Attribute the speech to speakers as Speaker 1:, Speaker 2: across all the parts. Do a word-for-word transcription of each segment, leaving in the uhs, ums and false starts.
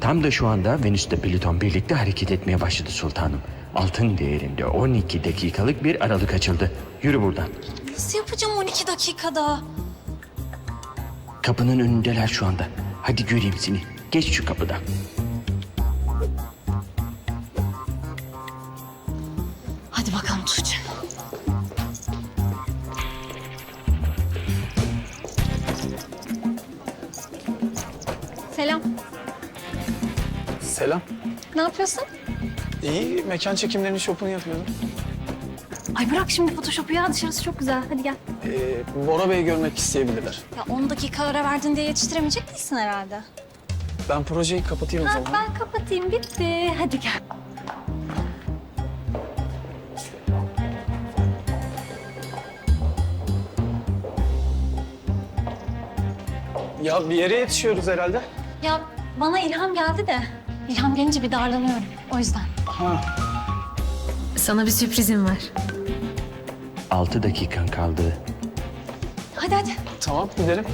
Speaker 1: Tam da şu anda Venüs'te Plüton birlikte hareket etmeye başladı sultanım. Altın değerinde on iki dakikalık bir aralık açıldı. Yürü buradan.
Speaker 2: Nasıl yapacağım on iki dakikada?
Speaker 1: Kapının önündeler şu anda. Hadi göreyim seni. Geç şu kapıdan.
Speaker 2: Hadi bakalım Tuğçe. Selam.
Speaker 3: Selam.
Speaker 2: Ne yapıyorsun?
Speaker 3: İyi, mekan çekimlerinin şopunu yapıyorum.
Speaker 2: Ay bırak şimdi Photoshop'u ya, dışarısı çok güzel. Hadi gel.
Speaker 3: Ee, Bora Bey'i görmek isteyebilirler.
Speaker 2: Ya on dakika ara verdin diye yetiştiremeyecek değilsin herhalde.
Speaker 3: Ben projeyi kapatayım o
Speaker 2: Ha,
Speaker 3: zaman.
Speaker 2: ben kapatayım, bitti. Hadi gel.
Speaker 3: Ya bir yere yetişiyoruz herhalde.
Speaker 2: Ya bana ilham geldi de. İlham gelince bir darlanıyorum. O yüzden.
Speaker 3: Ha.
Speaker 4: Sana bir sürprizim var.
Speaker 1: Altı dakikan kaldı.
Speaker 2: Hadi hadi.
Speaker 3: Tamam, gidelim.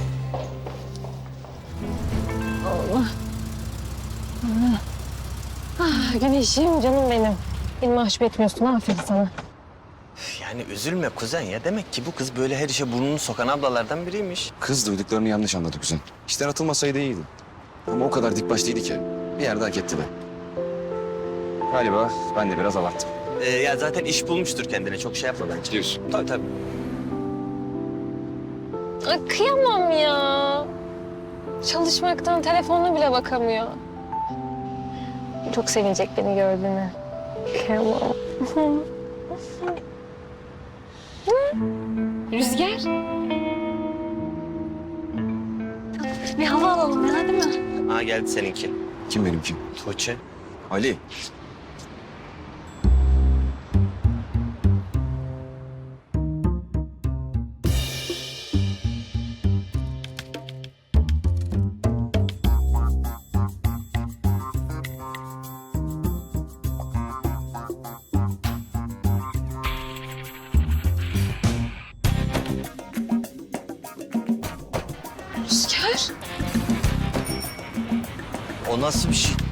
Speaker 4: Güneşim, canım benim. Beni mahcup etmiyorsun, aferin sana.
Speaker 5: Yani üzülme kuzen ya. Demek ki bu kız böyle her işe burnunu sokan ablalardan biriymiş.
Speaker 6: Kız duyduklarını yanlış anladı kuzen. İşten atılmasaydı iyiydi. Ama o kadar dik başlıydı ki bir yerde hak etti be. Galiba ben de biraz abarttım.
Speaker 5: Ee, ya zaten iş bulmuştur kendine. Çok şey yapma bence.
Speaker 6: Diyorsun.
Speaker 5: Tabii tabii.
Speaker 4: Ay, kıyamam ya. Çalışmaktan telefonuna bile bakamıyor. Çok sevinecek beni gördüğüne. Kıyamam. Rüzgar.
Speaker 2: Bir hava alalım ya, değil mi?
Speaker 5: Ha geldi seninki.
Speaker 6: Kim benimki?
Speaker 5: Tuğçe.
Speaker 6: Ali.
Speaker 4: Rüzgar.
Speaker 5: O nasıl bir şey?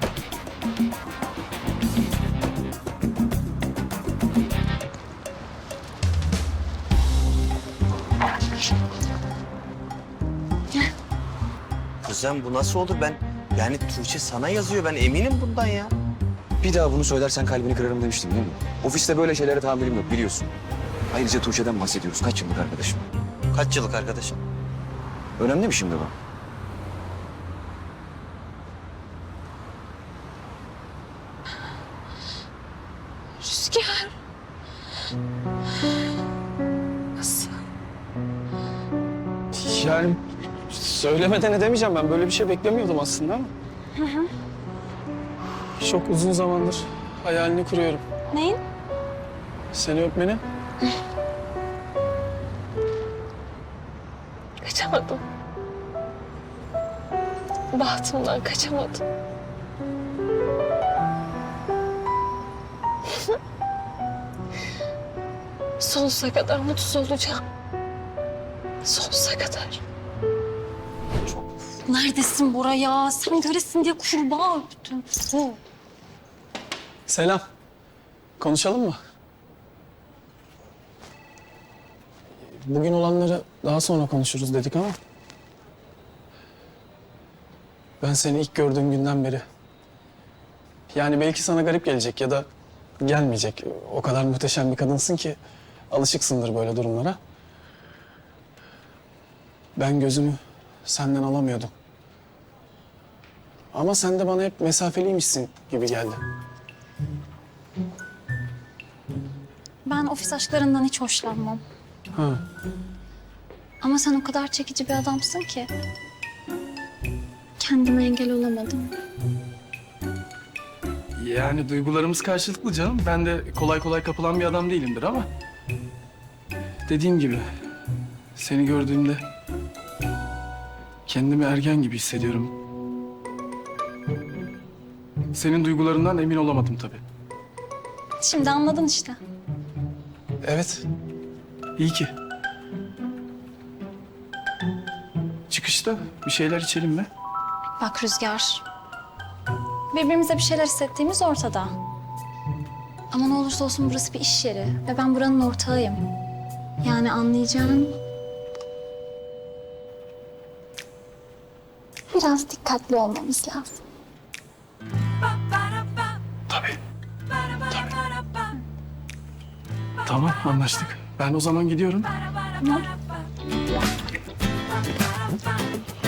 Speaker 5: Kuzen bu nasıl olur? Ben yani Tuğçe sana yazıyor. Ben eminim bundan ya.
Speaker 6: Bir daha bunu söylersen kalbini kırarım demiştim değil mi? Ofiste böyle şeylere tahammülüm yok biliyorsun. Ayrıca Tuğçe'den bahsediyoruz. Kaç yıllık arkadaşım?
Speaker 5: Kaç yıllık arkadaşım?
Speaker 6: Önemli mi şimdi bu?
Speaker 4: Rüzgar. Nasıl?
Speaker 3: Yani söylemeden edemeyeceğim, ben böyle bir şey beklemiyordum aslında ama. Çok uzun zamandır hayalini kuruyorum.
Speaker 2: Neyin?
Speaker 3: Seni öpmeni.
Speaker 4: Kaçamadım. Bahtımdan kaçamadım. Sonsuza kadar mutsuz olacağım. Sonsuza kadar.
Speaker 2: Neredesin Bora ya? Sen göresin diye kurbağa öptüm. Hı.
Speaker 3: Selam. Konuşalım mı? Bugün olanları daha sonra konuşuruz dedik ama... Ben seni ilk gördüğüm günden beri... Yani belki sana garip gelecek ya da gelmeyecek. O kadar muhteşem bir kadınsın ki alışıksındır böyle durumlara. Ben gözümü senden alamıyordum. Ama sen de bana hep mesafeliymişsin gibi geldi.
Speaker 2: Ben ofis aşklarından hiç hoşlanmam.
Speaker 3: Ha.
Speaker 2: Ama sen o kadar çekici bir adamsın ki. Kendime engel olamadım.
Speaker 3: Yani duygularımız karşılıklı canım. Ben de kolay kolay kapılan bir adam değilimdir ama... Dediğim gibi seni gördüğümde kendimi ergen gibi hissediyorum. Senin duygularından emin olamadım tabii.
Speaker 2: Şimdi anladın işte.
Speaker 3: Evet, iyi ki. Çıkışta bir şeyler içelim mi?
Speaker 2: Bak Rüzgar, Birbirimize bir şeyler hissettiğimiz ortada. Ama ne olursa olsun burası bir iş yeri ve ben buranın ortağıyım. Yani anlayacağın... Biraz dikkatli olmamız lazım.
Speaker 3: Tabii. Tabii. Tamam, anlaştık. Ben o zaman gidiyorum.
Speaker 2: Tamam.